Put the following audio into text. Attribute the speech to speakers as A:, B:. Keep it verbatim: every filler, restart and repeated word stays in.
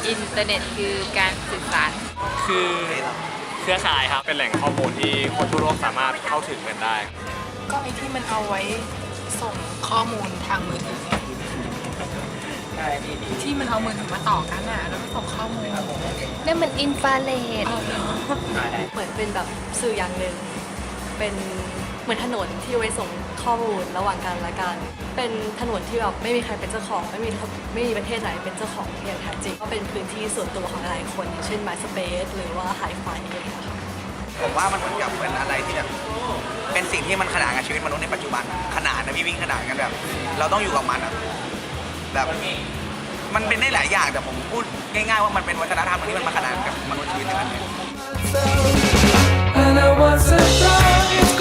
A: อินเทอร์เน็ตคือการสื่อสาร
B: คือเครือข่ายครับเป็นแหล่งข้อมูลที่คนทั่วโลกสามารถเข้าถึงกันได้
C: ก็ไอที่มันเอาไว้ส่งข้อมูลทางมือถือที่มันเอามือถือมาต่อกันอ่ะแล้วก็ส่งข้อมูล
A: นั่นมันอินฟราเรด
D: เหมือนเป็นแบบสื่ออย่างหนึ่งเป็นเหมือนถนนที่เอาไว้ส่งข้อมูลระหว่างกันและกัน เป็นถนนที่แบบไม่มีใครเป็นเจ้าของไม่มีไม่มีประเทศไหนเป็นเจ้าของอย่างแท้จริงก็เป็นพื้นที่ส่วนตัวของหลายคนอย่างเช่น MySpace หรือว่า Hi-Fi อะไรอย่างเงี้ยค่ะ
E: ผมว่ามันเหมือนกับเป็นอะไรที่แบบเป็นสิ่งที่มันขนานกับชีวิตมนุษย์ในปัจจุบันขนาดนะพี่วิ่งขนาดกันแบบเราต้องอยู่กับมันอะแบบมันเป็นได้หลายอย่างแต่ผมพูดง่ายๆว่ามันเป็นวัฒนธรรมที่มันมาขนานกับมนุษย์ชีวิตในนั้น
F: And I was surprised